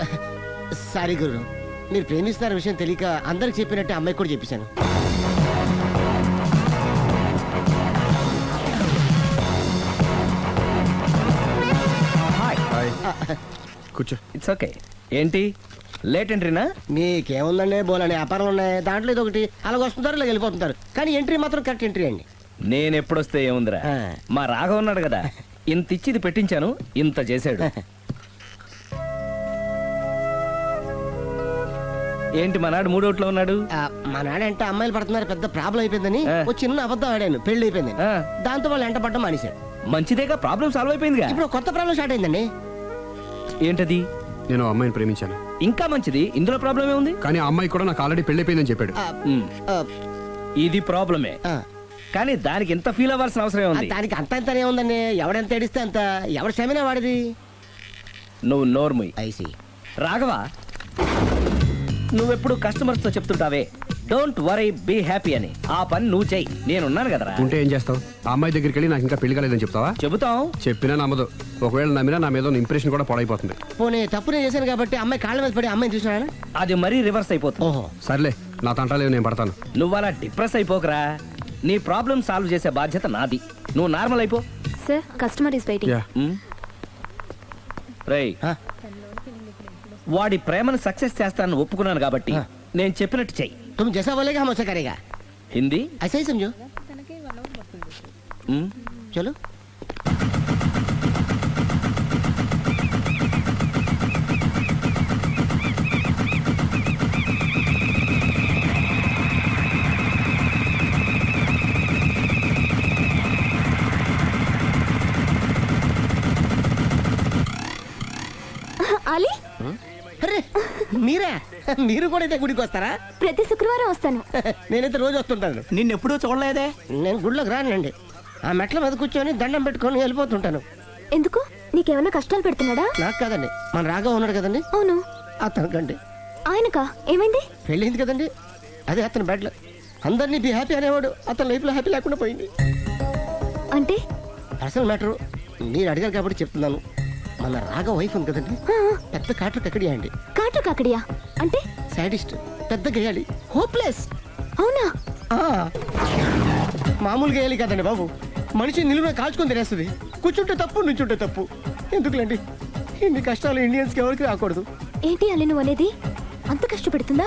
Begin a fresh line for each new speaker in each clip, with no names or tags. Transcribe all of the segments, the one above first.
Sorry గురు, మీరు ప్రేమిస్తున్న విషయం తెలియక అందరికి చెప్పినట్టు అమ్మాయి కూడా చెప్పేశాను.
కూర్చో.
It's okay. ఏంటి లేట్ ఎంట్రీనా?
మీకేముందండి, బోలని వ్యాపారాలు ఉన్నాయి, దాంట్లో ఇది ఒకటి అలాగ వస్తుంటారు ఇలా వెళ్ళిపోతుంటారు, కానీ ఎంట్రీ మాత్రం కరెక్ట్ ఎంట్రీ అండి.
నేను ఎప్పుడొస్తే ఏముందిరా, మా రాఘవ ఉన్నాడు కదా, ఇంత ఇచ్చి ఇది పెట్టించాను, ఇంత చేశాడు. ఏంటి మనాడు మూడోట్లో ఉన్నాడు?
మనాడంటే అమ్మాయిలు పడుతున్నారు, పెద్ద ప్రాబ్లం అయిపోయిందని ఒక చిన్న అబద్ధం ఆడాను, పెళ్లి అయిపోయింది. దాంతో వాళ్ళు ఎంట పడ్డం మానేశారు.
మంచిదేగా, ప్రాబ్లం సాల్వ్ అయిపోయిందిగా.
ఇప్పుడు కొత్త ప్రాబ్లం స్టార్ట్ అయిందండి.
ఏంటది?
నేను అమ్మాయిని ప్రేమించాను.
ఇంకా మంచిది, ఇందులో ప్రాబ్లం ఏముంది?
కానీ ఆ అమ్మాయి కూడా నాకు ఆల్రెడీ పెళ్లి అయిపోయిందని చెప్పాడు.
ఇది ప్రాబ్లమే, కానీ దానికి ఎంత ఫీల్ అవ్వాల్సిన అవసరం ఉంది?
దానికి అంత అంతనే ఉందండి, ఎవడెంత ఏడిస్తే అంత, ఎవరి క్షమేనా వాడిది.
నువ్వు నోర్ముయ్.
ఐసి
రాఘవ, నువ్వెప్పుడు కస్టమర్స్ తో చెప్తుంటావే డోంట్ వరీ బీ హ్యాపీ అని, ఆ పని నువ్వు చెయ్యి, నేనున్నాను కదరా.
ఉంటే ఏం చేస్తావు? ఆ అమ్మాయి దగ్గరికి వెళ్ళి నాకు ఇంకా పెళ్లి కాలేదని చెప్తావా?
చెబుతాం.
చెప్పినా నమ్మదు. ఒకవేళ నమ్మినా నా మీద ఇంప్రెషన్ కూడా పాడైపోతుంది.
పోనీ తప్పు నేను చేశాను కాబట్టి అమ్మాయి కాళ్ళ మీద పడి అమ్మాయిని చూసినా
అది మరీ రివర్స్ అయిపోతుంది.
ఓహో
సర్లే, నా తంటాలేవు, నేను పడతాను.
నువ్వు అలా డిప్రెస్ అయిపోకరా, నీ ప్రాబ్లం సాల్వ్ చేసే బాధ్యత నాది, నువ్వు నార్మల్ అయిపో.
Sir, customer is waiting.
రేయ్, వాడి ప్రేమను సక్సెస్ చేస్తానని ఒప్పుకున్నాను కాబట్టి నేను చెప్పినట్టు చెయ్యి.
तुम जैसा बोलेगा हम वैसा करेगा.
హిందీ
ऐसा ही समझो. चलो.
అలీ,
అరే మీరా, మీరు కూడా అయితే గుడికి వస్తారా?
ప్రతి శుక్రవారం వస్తాను.
నేనైతే రోజు వస్తుంటాను.
నిన్నెప్పుడూ చూడలేదే.
నేను గుడిలోకి రానండి, ఆ మెట్ల మీద కూర్చొని దండం పెట్టుకొని వెళ్ళిపోతుంటాను.
ఎందుకు? నీకేమైనా కష్టాలు పెడుతున్నాడా?
నాకు కాదండి, మన రాఘవ ఉన్నాడు కదండి.
అవును.
అతనికండి.
ఆయనకా? ఏమైంది?
పెళ్ళైంది కదండి, అదే అతని బెడ్లో అందరినీ బి హ్యాపీ అనేవాడు, అతని లైఫ్ లో హ్యాపీ లేకుండా పోయింది.
అంటే
అసలు మ్యాటరు మీరు అడిగారు కాబట్టి చెప్తున్నాను. మన రాఘవ వైఫ్ ఉంది కదండి, పెద్ద కాటర్ కక్కడియా అండి.
కాటర్ కాకడియా అంటే?
సాడిస్ట్, పెద్ద గేయాలి, హోప్లెస్.
అవునా?
మామూలు గేయాలి కదండి బాబు, మనిషి నిలువున కాల్చుకొని తినేస్తుంది. కూర్చుంటే తప్పు, నుంచుంటే తప్పు. ఎందుకులేండి ఇన్ని కష్టాలు ఇండియన్స్ కి ఎవరికి రాకూడదు.
ఏంటి అల్లి నువ్వు అనేది? అంత కష్టపెడుతుందా?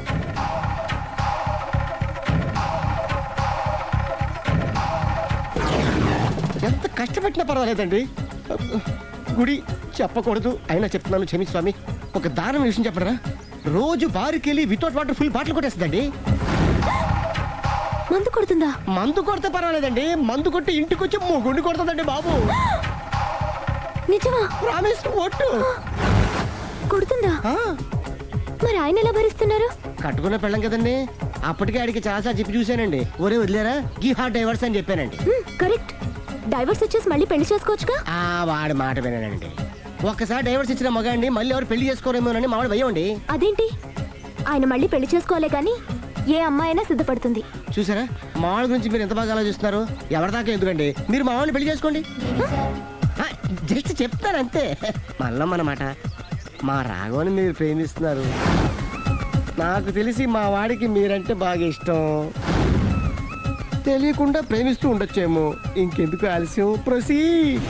ఎంత కష్టపెట్టినా పర్వాలేదండి. గుడి చెప్పకూడదు అయినా చెప్తున్నాను, క్షమించు స్వామి. ఒక దారుణ విషయం చెప్పడరా, రోజు బారుకి వెళ్ళి వితౌట్ వాటర్ ఫుల్ బాటిల్ కొట్టేస్తుందండి.
మందు కొడుతుందా?
మందు కొడితే పర్వాలేదండి, మందు కొట్టి ఇంటికి వచ్చి గుండి కొడుతుందండి బాబు.
నిజమా?
ప్రామిస్, ఒట్టు.
కొడుతుందా? మరి ఆయన ఎలా భరిస్తున్నారు?
కట్టుకున్న పెళ్ళం కదండి, అప్పటికే ఆడికి చాలా చెప్పి చూశానండి. ఒరే వదిలేరా, గీ హార్ట్ డైవర్స్ అని చెప్పానండి.
కరెక్ట్. డైవర్స్ వచ్చేసి మళ్ళీ పెళ్లి చేసుకోవచ్చుగా.
వాడి మాట వినండి, ఒక్కసారి డైవర్స్ ఇచ్చిన మగాండి మళ్ళీ ఎవరు పెళ్లి చేసుకోరేమోనని మావాడు భయండి.
అదేంటి? ఆయన మళ్ళీ పెళ్లి చేసుకోలే కానీ ఏ అమ్మాయి అయినా సిద్ధపడుతుంది.
చూసారా, మా వాళ్ళ గురించి మీరు ఎంత బాగా ఆలోచిస్తున్నారు. ఎవరిదాకా ఎందుకండి, మీరు మా వాళ్ళని పెళ్లి చేసుకోండి. జస్ట్ చెప్తాను అంతే. మళ్ళీ మన మాట, మా రాఘవని మీరు ప్రేమిస్తున్నారు, నాకు తెలిసి మా వాడికి మీరంటే బాగా ఇష్టం. తెలియకుండా ప్రేమిస్తూ ఉండొచ్చేమో. ఇంకెందుకు ఆలస్యం, ప్రొసీడ్.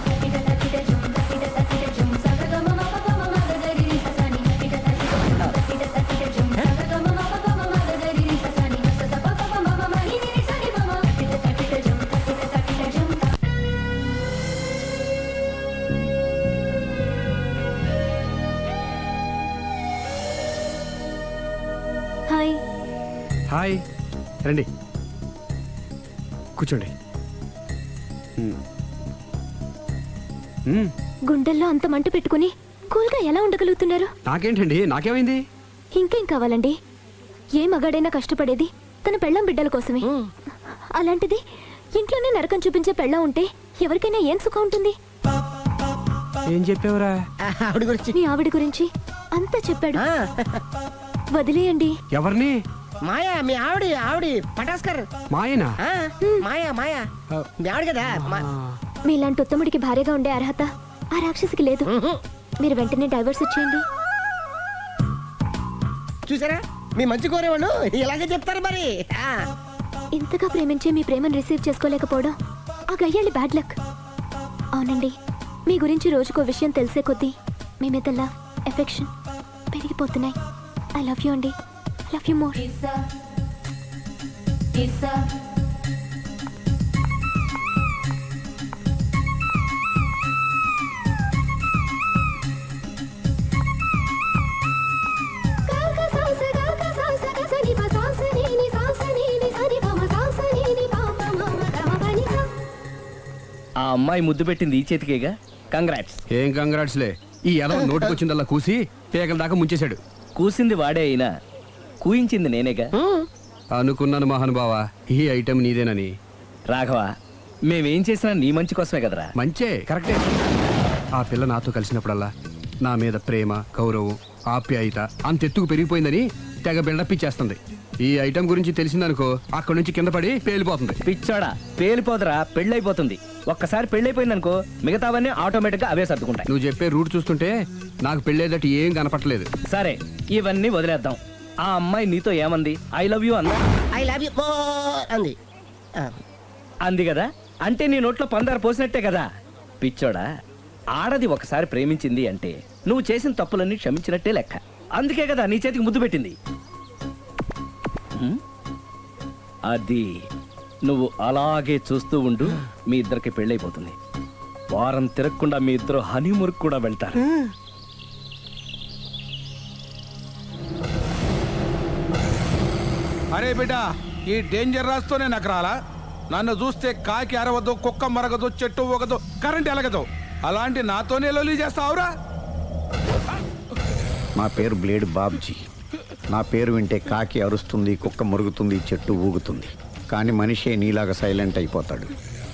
హాయ్.
హాయ్, రండి కూర్చోండి.
గుండెల్లో అంత మంట పెట్టుకుని కూల్గా ఎలా ఉండగలుగుతున్నారు?
నాకేంటండి, నాకేమైంది?
ఇంకేం కావాలండి? ఏ మగాడైనా కష్టపడేది తన పెళ్ళాం బిడ్డల కోసమే. అలాంటిది ఇంట్లోనే నరకం చూపించే పెళ్ళాం ఉంటే ఎవరికైనా ఏం సుఖం ఉంటుంది?
ఏం చెప్పావురా?
ఆవిడ గురించి.
మీ ఆవిడ గురించి అంతా చెప్పాడు. వదిలేయండి.
ఎవరిని?
మాయా, మీ ఆవిడ పటాస్కర్.
మాయనా?
మాయా మీ ఆవిడ కదా.
మీలాంటి ఉత్తముడికి భార్యగా ఉండే అర్హత ఆ రాక్షసికి లేదు. మీరు వెంటనే డైవర్స్ ఇచ్చేయండి.
చూసారా మీ మంచి కోరేవాళ్ళు ఇలాగే చెప్తారు మరి.
ఇంతగా ప్రేమించే మీ ప్రేమను రిసీవ్ చేసుకోలేకపోవడం ఆ గయ్యాళ్ళి బ్యాడ్ లక్. అవునండి, మీ గురించి రోజుకో విషయం తెలిసే కొద్దీ మీ మీద లవ్, ఎఫెక్షన్ పెరిగిపోతున్నాయి. ఐ లవ్ యూ అండి. I love you more.
ఆ అమ్మాయి ముద్దు పెట్టింది ఈ చేతికేగా. కంగ్రాట్స్.
ఏం కంగ్రాట్స్లే, ఈ ఎదవ నోటికొచ్చిందల్లా కూసి పేకల దాకా ముంచేశాడు.
కూసింది వాడే అయినా కూయించింది నేనేగా.
అనుకున్నాను మహానుభావా, ఈ ఐటెం నీదేనని.
రాఘవ, మేమేం చేసినా నీ మంచి కోసమే కదరా.
మంచే, కరెక్టే. ఆ పిల్ల నాతో కలిసినప్పుడల్లా నా మీద ప్రేమ, గౌరవం, ఆప్యాయత అంతెత్తుకు పెరిగిపోయిందని తెగ బిల్డప్ ఇచ్చేస్తుంది. ఈ ఐటెం గురించి తెలిసిందనుకో అక్కడి నుంచి కింద పడి పేలిపోతుంది.
పిచ్చోడా, పేలిపోదరా, పెళ్ళైపోతుంది. ఒక్కసారి పెళ్ళైపోయిందనుకో మిగతావన్నీ ఆటోమేటిక్ గా అవే సర్దుకుంటాయి.
నువ్వు చెప్పే రూట్ చూస్తుంటే నాకు పెళ్ళేదట్టు ఏం కనపట్లేదు.
సరే, ఇవన్నీ వదిలేద్దాం. ఆ అమ్మాయి నీతో ఏమంది? ఐ లవ్ యూ అందా?
ఐ లవ్ యూ అంది.
అంది కదా, అంటే నీ నోట్లో పందారు పోసినట్టే కదా. పిచ్చోడా, ఆడది ఒకసారి ప్రేమించింది అంటే నువ్వు చేసిన తప్పులన్నీ క్షమించినట్టే లెక్క. అందుకే కదా నీ చేతికి ముద్దు పెట్టింది. అది నువ్వు అలాగే చూస్తూ ఉండు, మీ ఇద్దరికి పెళ్ళైపోతుంది. వారం తిరగకుండా మీ ఇద్దరు హనీమూర్కి కూడా వెళ్తారు.
అరే బిడ్డ, ఈ డేంజర్ రాస్తూనే నాకు రాలా? నన్ను చూస్తే కాకి అరవదు, కుక్క మరగదు, చెట్టు ఊగదు, కరెంట్ ఎలగదు. అలాంటి నాతోనే లొల్లి చేస్తావురా?
నా పేరు బ్లేడ్ బాబ్జీ. నా పేరు వింటే కాకి అరుస్తుంది, కుక్క మురుగుతుంది, చెట్టు ఊగుతుంది. కానీ మనిషే నీలాగా సైలెంట్ అయిపోతాడు.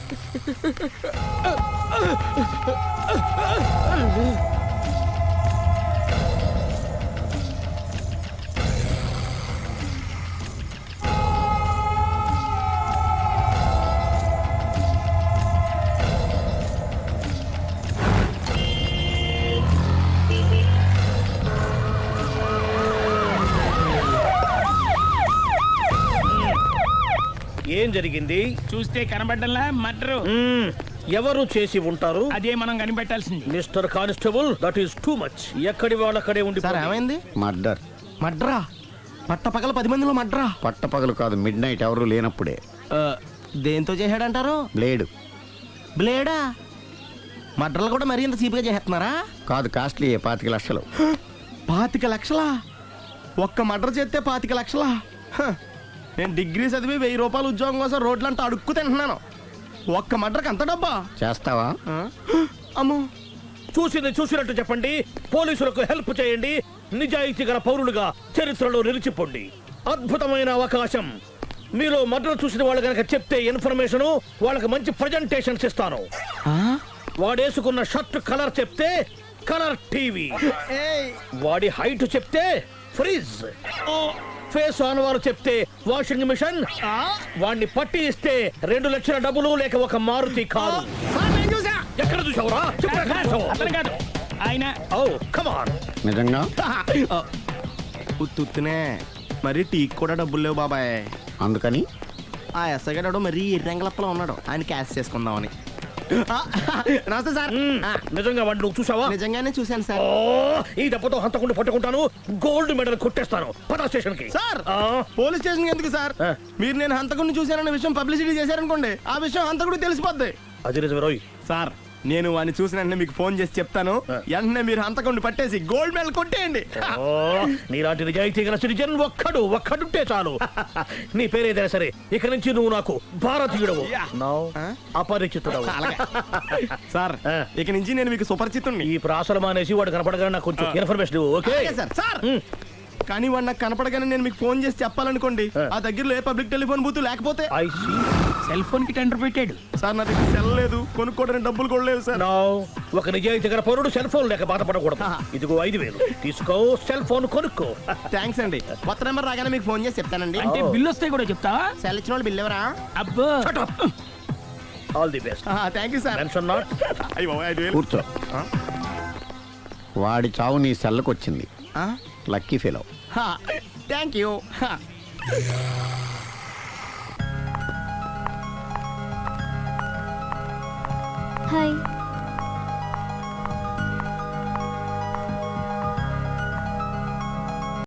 ఏం జరిగింది?
చూస్తే కనబడ్డంలా మర్డరు.
ఎవరు చేసి ఉంటారు?
అదే మనం కనిపెట్టాల్సింది.
Mister constable, that is too much. ఎక్కడి వాళ్ళక్కడే ఉండి.
సార్ ఏమైంది?
మర్డర్.
మడ్రా? పట్ట పగల 10 మందిలో మడ్రా?
పట్టపగలు కాదు, మిడ్ నైట్ ఎవరు లేనప్పుడే.
దేంతో చేశాడంటారు?
బ్లేడ్.
బ్లేడా? మడ్రలు కూడా మరీ ఇంత చీప్గా చేస్తున్నారా?
కాదు, కాస్ట్లీ 25 లక్షలు.
25 లక్షలా? ఒక్క మడ్ర చేస్తే 25 లక్షలా? నేను డిగ్రీ చదివి 1000 రూపాయలు ఉద్యోగం కోసం రోడ్లంతా అడుక్కు తింటున్నాను. ఒక్క మడ్రకు అంత డబ్బా?
చేస్తావా?
అమ్మో.
చూసింది చూసినట్టు చెప్పండి. పోలీసులకు హెల్ప్ చేయండి. నిజాయితీ గల పౌరులుగా చరిత్రలో నిలిచిపోండి. అద్భుతమైన అవకాశం. మీలో మర్డర్ చూసిన వాళ్ళు కనుక చెప్తే ఇన్ఫర్మేషన్, వాళ్ళకి మంచి ప్రజెంటేషన్స్ ఇస్తాను. వాడేసుకున్న షర్ట్ కలర్ చెప్తే కలర్ టీవీ, వాడి హైట్ చెప్తే ఫ్రిజ్, ఫేస్ ఆన్ వారు చెప్తే వాషింగ్ మిషన్, వాడిని పట్టి ఇస్తే 2 లక్షల డబ్బులు లేక ఒక మారుతి కారు. ఎక్కడ చూసావురా?
అతను కాదు ఆయన.
Oh come on.
నిజంగా?
ఉత్తునే మరి టీకి కూడా డబ్బులు లేవు బాబాయ్.
అందుకని
ఆ ఎస్ఐగాడు మరీ ఎర్రంగలప్పలో ఉన్నాడు, ఆయన క్యాష్ చేసుకుందామని. నమస్తే సార్.
నిజంగా వాడిని నువ్వు చూసావా?
నిజంగానే చూశాను సార్.
ఈ దెబ్బతో హంతకుండా పట్టుకుంటాను, గోల్డ్ మెడల్ కొట్టేస్తాను. పద స్టేషన్ కి.
సార్, పోలీస్ స్టేషన్ ఎందుకు సార్? మీరు నేను హంతకుడిని చూశానన్న విషయం పబ్లిసిటీ చేశారనుకోండి, ఆ విషయం హంతకుడికి తెలిసిపోద్ది.
అది నిజమే రోయ్.
సార్, నేను వాడిని చూసిన వెంటనే మీకు ఫోన్ చేసి చెప్తాను. వెంటనే మీరు హంతకుడిని పట్టేసి గోల్డ్ మెడల్ కొట్టేయండి.
నీలాంటి నిజాయితీ గల సిటిజన్ ఒక్కడుంటే చాలు. నీ పేరేదైనా సరే, ఇక నుంచి నువ్వు నాకు భారతీయుడవు, అపరిచితుడవు.
సార్, ఇక నుంచి నేను మీకు సుపరిచితుణ్ణి.
ఈ ప్రాసలు మానేసి వాడు కనపడగానే నాకు కొంచెం ఇన్ఫర్మేషన్. Okay
sir. సార్, కానీ వాడు నాకు కనపడగానే నేను మీకు ఫోన్ చేసి చెప్పాలనుకోండి, ఆ దగ్గరలో ఏ పబ్లిక్ టెలిఫోన్ బూత్ లేకపోతే.
సెల్ ఫోన్ కి టెండర్ పెట్టాడు
సార్. నా దగ్గర సెల్ లేదు, కొనుక్కోవడానికి డబ్బులు కూడా లేవు సార్.
ఒక నిజాయితీ గల పౌరుడు సెల్ ఫోన్ లేక బాధపడకూడదు. ఇదిగో 5000 తీసుకో, సెల్ ఫోన్ కొనుక్కో.
థ్యాంక్స్ అండి. కొత్త నెంబర్ రాగానే మీకు ఫోన్ చేసి చెప్తానండి.
అంటే బిల్లు వస్తే కూడా చెప్తావా?
సెల్ ఇచ్చిన వాళ్ళు బిల్ ఎవరా?
అబ్బో.
All the best.
Thank you sir.
Tension not.
కూర్చో. వాడి చావు నీ సెల్లకు వచ్చింది. Lucky fellow.
Thank you.
Hi.